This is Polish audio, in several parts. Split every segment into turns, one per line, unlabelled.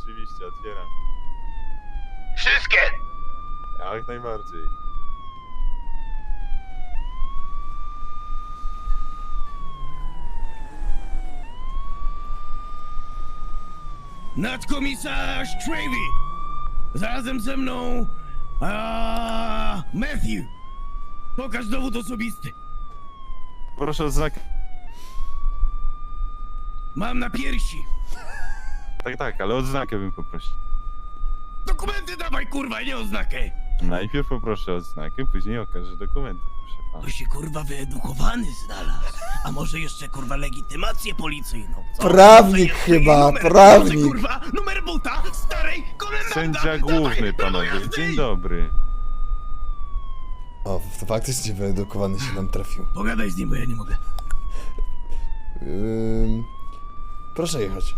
oczywiście, otwieram.
Wszystkie!
Jak najbardziej.
Nadkomisarz Travy! Zarazem ze mną... Matthew! Pokaż dowód osobisty.
Proszę o znak.
Mam na piersi.
Tak, ale odznakę bym poprosił.
Dokumenty dawaj, kurwa, nie oznakę.
Najpierw poproszę o odznakę, później okażę dokumenty, proszę pana.
To się, kurwa, wyedukowany znalazł. A może jeszcze, kurwa, legitymację policyjną, co?
Prawnik
Może
chyba,
numer,
prawnik.
Może, kurwa, numer buta starej komendanta.
Sędzia główny, panowie, dzień dobry.
O, to faktycznie wyedukowany się nam trafił.
Pogadaj z nim, bo ja nie mogę.
Proszę jechać.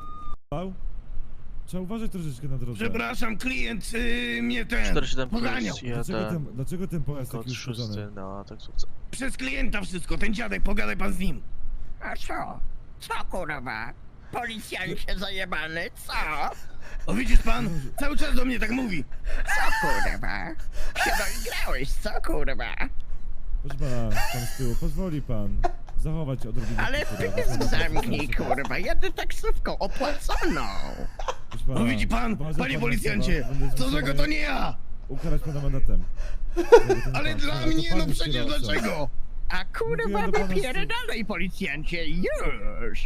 Trzeba uważać troszeczkę na drodze.
Przepraszam, klient mnie ten
47
poganiał.
Dlaczego ten pojazd taki uszkodzony?
na taksówce.
Przez klienta wszystko, ten dziadek, pogadaj pan z nim.
A co? Co kurwa? Policjancie zajebany, co?
O, widzisz pan? Cały czas do mnie tak mówi.
Co kurwa? Się doigrałeś, co kurwa?
Proszę pana, pan z tyłu, pozwoli pan zachować odrobinę.
Ale
kultury.
pysk zamknij kurwa, jadę taksówką opłaconą.
Proszę pana,
No widzi pan,
uważa
panie
pan
policjancie,
na słowa, będę
co złego to nie ja.
Ukarać pana mandatem.
Ale dla mnie, no przecież dlaczego?
A kurwa
Mówiłem do pana z-
napierdalaj policjancie, już!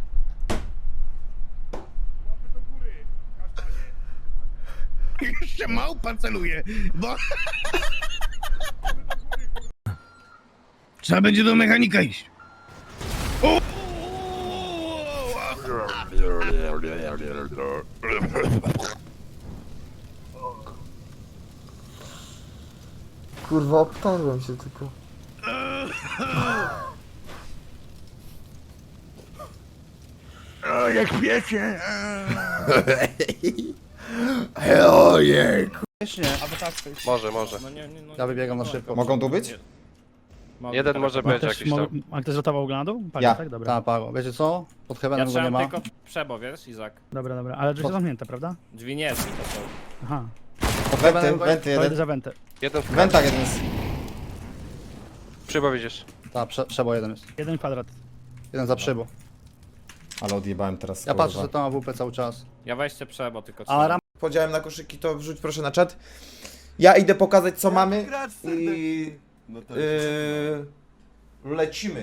Jeszcze małpa celuje, bo... Trzeba będzie do mechanika iść. O!
Kurwa, obtarłem się tylko.
O, jak wiecie.
Ojej.
Może.
Ja wybiegam na szybko.
Mogą tu być?
Jeden może być jakiś tam.
A ktoś ratował oglądu?
Ja.
Tak, dobra.
Ta, Pago. Wiecie co? Pod heavenem go nie ma.
Przebo, wiesz, Izak?
Dobra. Ale drzwi są zamknięte, prawda?
Drzwi nie są, to są.
Aha.
Wenty, wenty
To idę
jeden.
za wentę.
Jeden w
Wentach jeden jest.
Przybo widzisz.
Ta, przebo jeden jest.
Jeden kwadrat.
Jeden za przybo.
Ale odjebałem teraz.
Ja patrzę, że to ma WP cały czas.
Ja weźcie przebo, tylko
A ram...
Podziałem na koszyki, to wrzuć proszę na czat. Ja idę pokazać co mamy i lecimy.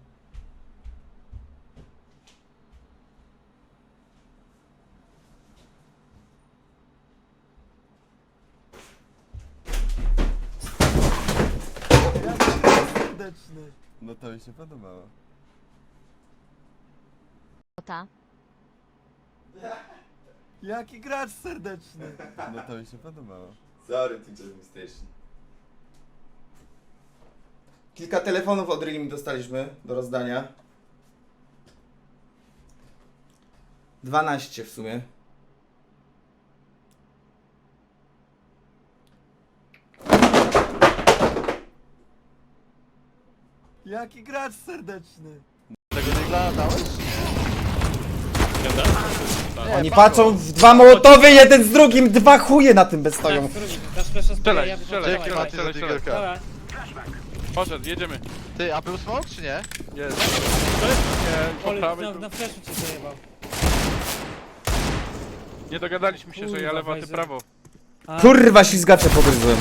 No to mi się podobało.
Jaki gracz serdeczny.
No to mi się podobało.
Sorry, teacher station. Kilka telefonów od Rimi dostaliśmy do rozdania. 12 w sumie. Jaki gracz serdeczny.
Oni patrzą w dwa mołotowy, jeden z drugim, dwa chuje na tym bez stoją.
Strzelaj.
Poszedł, jedziemy.
Ty, a był smoke czy nie?
Jest. Nie, po prawej.
Na fleszu cię zajebał.
Nie dogadaliśmy się, że ja lewo, a ty prawo.
Kurwa, ślizgacze pogryzłem.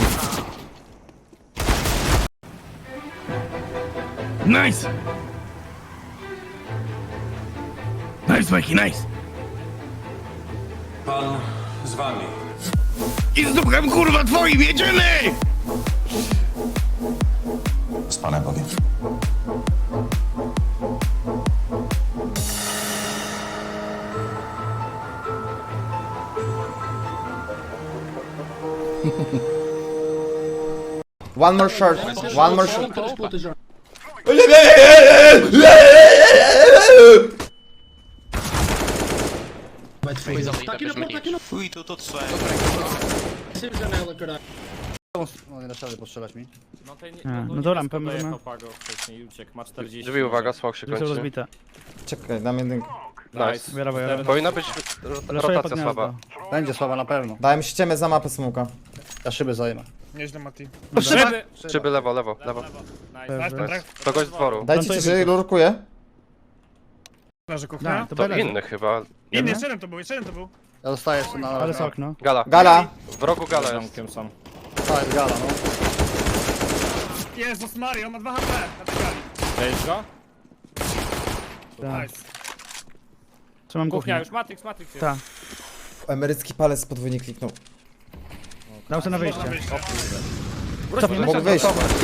Nice! Nice, Mikey, nice!
Pan z wami.
I z dupkiem, kurwa, twoim, jedziemy!
Z Panem Bogiem.
One more short, one more short.
Fuj, to trzeba.
No nie da rady postrzelać mi.
No, tej nie,
No to rampę
dojechał
możemy.
Pago wcześniej i uciekł, ma 40.
Drzwi, uwaga, smok się
Drzwi są
kończy.
rozbite.
Czekaj, dam jedynkę.
Nice.
Brawo, ja.
Powinna być
Leszuję pod
rotacja słaba.
gniazdo.
Będzie słaba na pewno.
Dałem ściemę za mapę smoka.
Ja szyby zajmę.
Nieźle, Mati.
Szyby!
Szyby lewo, lewo, lewo.
Nice.
To gość z dworu.
Dajcie ci, że lurkuję.
Leży
No,
kuchnia.
to
To
byle.
inny chyba.
Inny, jeszcze jeden to był, jeszcze jeden to był.
Ja zostaję jeszcze na...
Ale sok, no.
Gala.
Gala.
W rogu gala jest.
są.
To jest gala, no.
Jezus Maria, on ma 2 HP na tej gali.
Cześć go?
Tak.
Nice.
Trzymam kuchnię.
Matrix jest.
Tak.
Emerycki palec podwójnie kliknął.
Dam sobie na wyjście.
Mogę wyjść.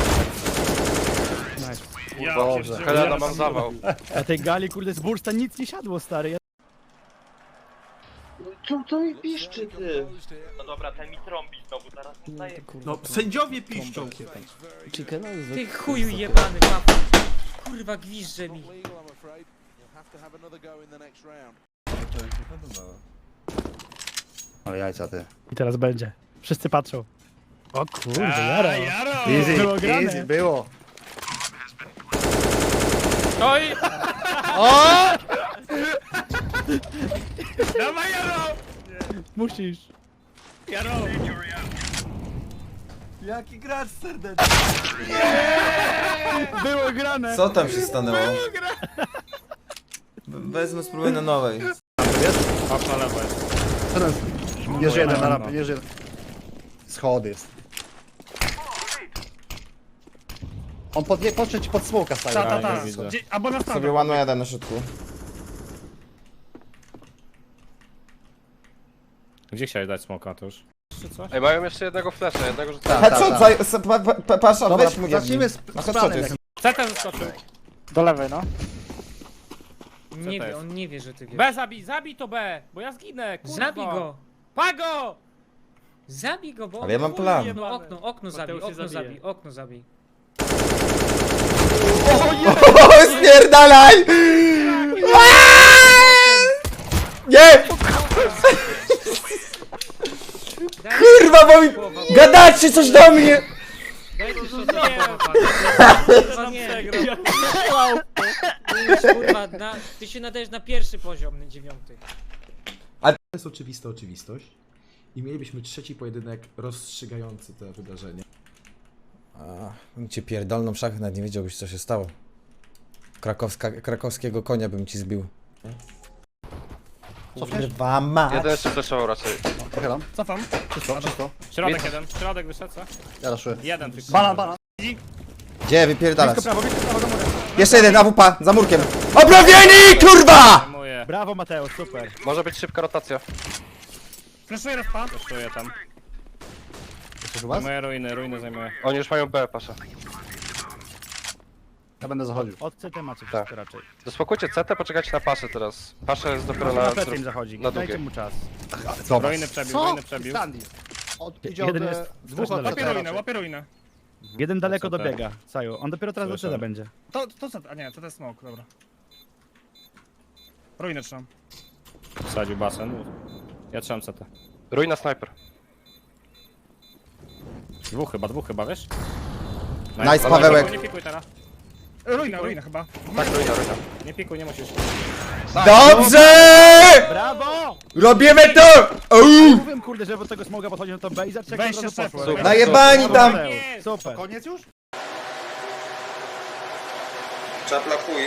Nice.
Ja
Dobrze.
Helena, mam zawał.
A tej gali, kurde, z bursta nic nie siadło, stary. Ja...
No, sędziowie piszczą.
Ty chuju jebany kapu. Kurwa gwizdże mi.
Ale jajca ty.
I teraz będzie. Wszyscy patrzą. O kurde, jaro.
Easy,
Było grane.
easy, było.
Oj! Dawaj, Jaro!
Musisz.
Jaro!
Jaki gracz serdeczny.
Było grane.
Co tam się stanęło? Wezmę, spróbuję na nowej.
Patrz na lewo jest.
Jeden. Jest jeden na rampie, jest jeden. Schody jest. On podszedł ci pod smoka staje.
Ta. Albo na
Sobie
stronę.
łanuję jeden na środku.
Gdzie chciałeś dać smoka, to już?
Ej, mają jeszcze jednego flasha, jednego rzuca.
Tak,
Headshot, pasza,
Dobra,
weź mu
zacznijmy
Na
z
headshot
planem.
jest.
Ceta zaskoczył.
Do lewej, no.
Nie
to
wie,
jest?
on nie wie, że ty wiesz.
B zabij to B, bo ja zginę, kurwa.
Zabij go!
Pago!
Zabij go, bo...
Ale ja mam plan.
No okno zabij,
Mateusz się
okno
zabije.
zabij, okno zabij.
O, spierdalaj! Nie! Kurwa, bo mi... Gadacie coś do mnie!
Daj tu szota kurwa nie. Kurwa, ty się nadajesz na pierwszy poziom, na 9.
To jest oczywista oczywistość. I mielibyśmy trzeci pojedynek rozstrzygający to wydarzenie.
Bym cię pierdolną w szachach, nawet nie wiedziałbyś co się stało. Krakowskiego konia bym ci zbił. Kurwa mać!
Jeden jeszcze flashował raczej.
Pochylam.
Cofam.
Wszystko.
Środek jeden, środek wyszedł, co?
Ja raszuję.
Jeden tylko.
Banan.
Gdzie wypierdalasz?
Blisko prawo do góry.
Jeszcze jeden, AWP, za murkiem. Obrowieni, kurwa!
Zajmuję.
Brawo, Mateusz, super.
Może być szybka rotacja.
Flashuję rozpa. Flashuję tam.
Jesteś u was?
Zajmuję ruiny zajmuję.
Oni już mają B, pasza.
Ja będę zachodził.
Od CT macie
Tak.
wszystko raczej.
Zaspokójcie CT, poczekajcie na paszę teraz. Pasza jest dopiero
Na
na...
plecy im zachodzi.
na
Dajcie
długie.
mu czas.
Zobacz.
Ruiny przebił,
Co?
ruiny przebił.
Sandy. Idzie od
Jeden jest
dwóch
strasznie
od
daleko.
Łapie ruinę.
Jeden daleko
CT.
dobiega, Saju. On dopiero teraz do
Słyszę.
CT będzie.
To co? A nie, to jest smoke, dobra. Ruinę trzymam.
Wsadził basen. Ja trzymam CT.
Ruina sniper.
Dwóch chyba, wiesz?
Nice, Pawełek.
Nie pikuj teraz. Ruina chyba.
Tak, ruina.
Nie pikuj, nie musisz.
Dobrze!
Brawo!
Robimy to! Uuu.
Mówiłem, kurde, że od tego smoga podchodzi na to B i zaczeka
Wejście
od razu poszło.
szefów.
Najebani tam!
Super.
Koniec już?
Czapla chuj.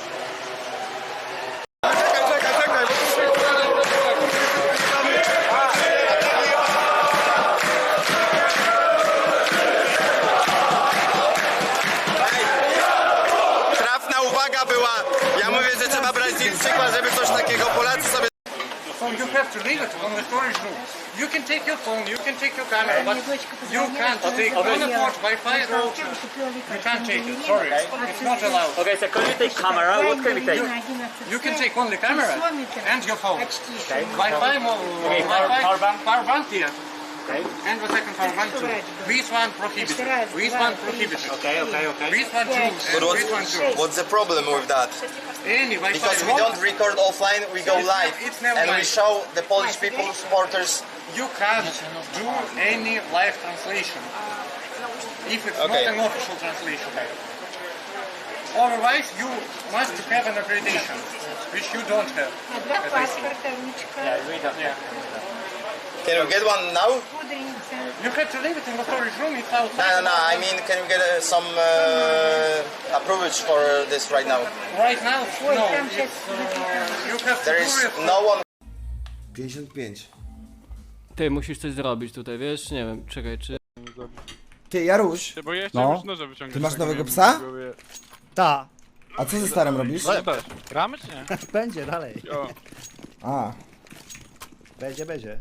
Trafna uwaga była. Ja mówię, że trzeba brać z nich przykład, żeby coś takiego Polacy sobie...
You have to leave it on the storage room. You can take your phone, you can take your camera, but you can't take teleport, Wi-Fi, router. You can't take it, sorry. It's not allowed.
Okay, so can you take camera? What can we take?
You can take only camera and your phone. Wi-Fi, power bank here. And the second power bank too. This one prohibited. This one prohibited. Okay. This one too. And this one too.
What's the problem with that?
Any Wi-Fi.
Because we don't record offline, we go live.
It's never
And we
live.
show the Polish people, supporters.
You can't do any live translation if it's
Okay.
not an official translation. Otherwise, you must have an accreditation, which you don't have. as I see. Yeah, we don't. Yeah.
Can you get one now?
You have to leave it in the storage room. It's outside.
I mean, can you get some approvals for this right now?
Right now, no. You have to do it.
no one... 55.
Ty, musisz coś zrobić tutaj, wiesz? Nie wiem, czekaj, czy...
Ty, Jaruś,
Bo ja
No.
już noże wyciągnąć.
ty masz
tak
nowego
nie
psa?
wiem,
Ta.
A co ze starym robisz?
Gramy czy nie?
Będzie dalej.
O,
A,
Będzie.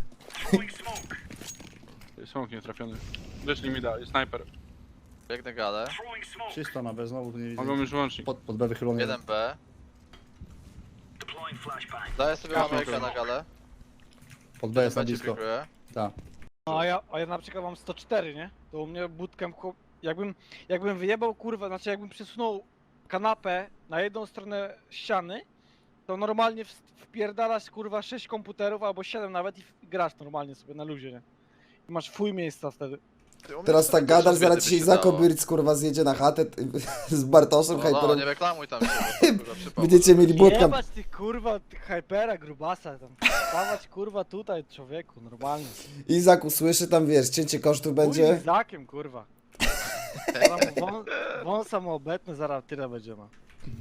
smok nie trafiony. Wyszli mi dalej, snajper.
Biegnę galę.
Czysto na B, znowu tu nie widzę.
Mogą już łącznik.
Pod B wychylony.
1B. Daję sobie Amerykę na galę.
Pod B jest na
B ci
blisko.
pikuję.
Tak.
No, a ja na przykład mam 104, nie? To u mnie bootcamp, jakbym wyjebał, kurwa, znaczy jakbym przesunął kanapę na jedną stronę ściany, to normalnie wpierdalasz, kurwa, 6 komputerów albo 7 nawet i grasz normalnie sobie na luzie, nie? I masz fuj miejsca wtedy.
teraz tak gadasz, zaraz dzisiaj Zako Byrc, kurwa, zjedzie na chatę z Bartoszem,
No,
Hyperem.
nie reklamuj tam się, bo kurwa przypał.
Będziecie mieli bootcamp.
Jebać tych, kurwa, tych hypera, grubasa, tam stawać, kurwa, tutaj, człowieku, normalnie.
Izak usłyszy tam, wiesz, cięcie kosztów
Chuj
będzie.
z Zakiem, kurwa. Wąs samoobecny, zaraz tyle będzie, no.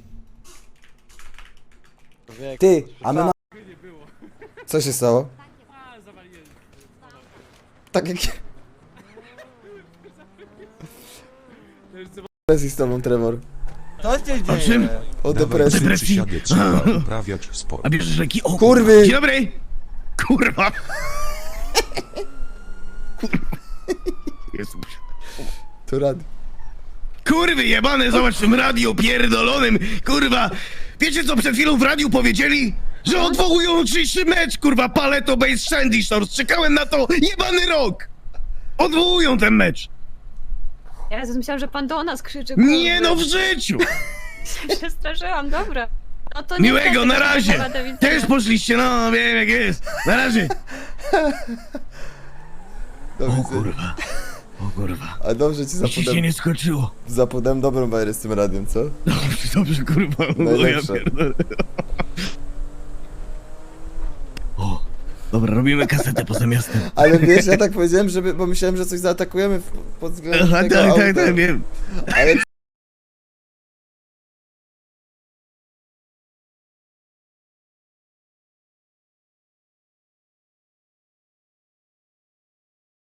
Człowieku,
Ty,
to
a my ma... Co się stało?
A, zawaliłem.
Tak jak...
To już co...
Depresji z tobą, Trevor.
Co się dzieje?
O depresji.
Trzeba uprawiać sport.
A bierzesz leki? O,
Kurwy!
dzień dobry! Kurwa! Jezus.
To rad.
Kurwy jebane, zobacz w tym radiu pierdolonym, kurwa! Wiecie co przed chwilą w radiu powiedzieli? Że odwołują jutrzejszy mecz, kurwa, Paleto Base Shandy Shores. Czekałem na to jebany rok! Odwołują ten mecz!
Ja myślałam, że pan do nas krzyczy.
Nie no, w życiu!
Przestraszyłam, dobra. No to
Miłego, na razie! Też poszliście, no wiem jak jest. Na razie!
O kurwa. A dobrze ci zapodem...
skoczyło.
Zapodem dobrą bajerę z tym radiem, co?
Dobrze, kurwa,
Najlepsze.
Dobra, robimy kasetę poza miastem.
Ale wiesz, ja tak powiedziałem, żeby, bo myślałem, że coś zaatakujemy pod względem tego auta.
wiem.
Ale